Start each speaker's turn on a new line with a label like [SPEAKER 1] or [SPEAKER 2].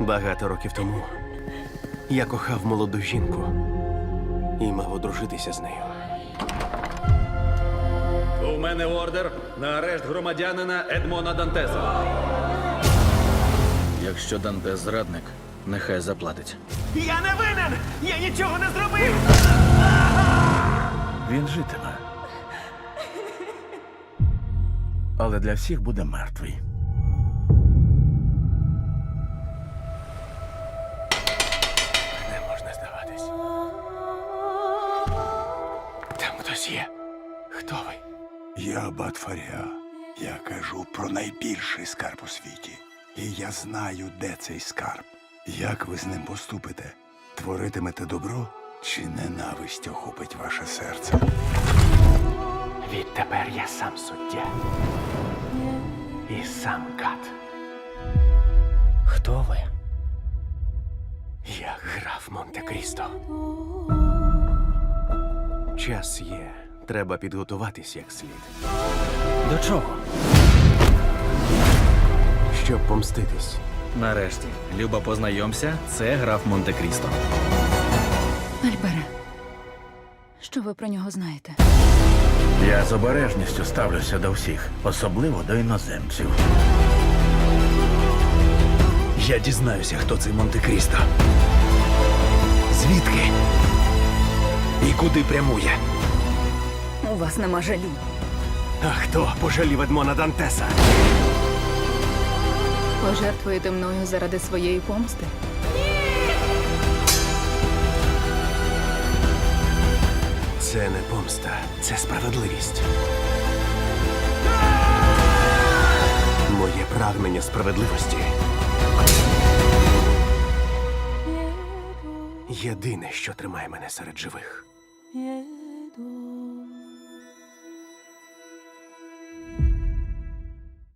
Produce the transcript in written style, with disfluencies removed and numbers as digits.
[SPEAKER 1] Багато років тому я кохав молоду жінку і мав одружитися з нею.
[SPEAKER 2] У мене ордер на арешт громадянина Едмона Дантеса. Якщо Дантес зрадник, нехай заплатить.
[SPEAKER 1] Я не винен! Я нічого не зробив!
[SPEAKER 3] Він житиме. Але для всіх буде мертвий.
[SPEAKER 1] Не можна здаватись. Там хтось є. Хто ви?
[SPEAKER 4] Я Батфаря. Я кажу про найбільший скарб у світі. І я знаю, де цей скарб. Як ви з ним поступите? Творитимете добро чи ненависть охопить ваше серце?
[SPEAKER 1] Відтепер я сам суддя. І сам кат. Хто ви? Я граф Монте-Крісто. Час є. Треба підготуватись як слід.
[SPEAKER 2] До чого?
[SPEAKER 1] Щоб помститись.
[SPEAKER 2] Нарешті, Люба, познайомся, це граф Монте-Крісто.
[SPEAKER 5] Альбере, що ви про нього знаєте?
[SPEAKER 3] Я з обережністю ставлюся до всіх, особливо до іноземців.
[SPEAKER 1] Я дізнаюся, хто цей Монте-Крісто. Звідки? І куди прямує?
[SPEAKER 5] У вас нема жалю.
[SPEAKER 1] А хто пожалів Едмона Дантеса?
[SPEAKER 5] Пожертвуєте мною заради своєї помсти?
[SPEAKER 1] Це не помста, це справедливість. Моє прагнення справедливості єдине, що тримає мене серед живих.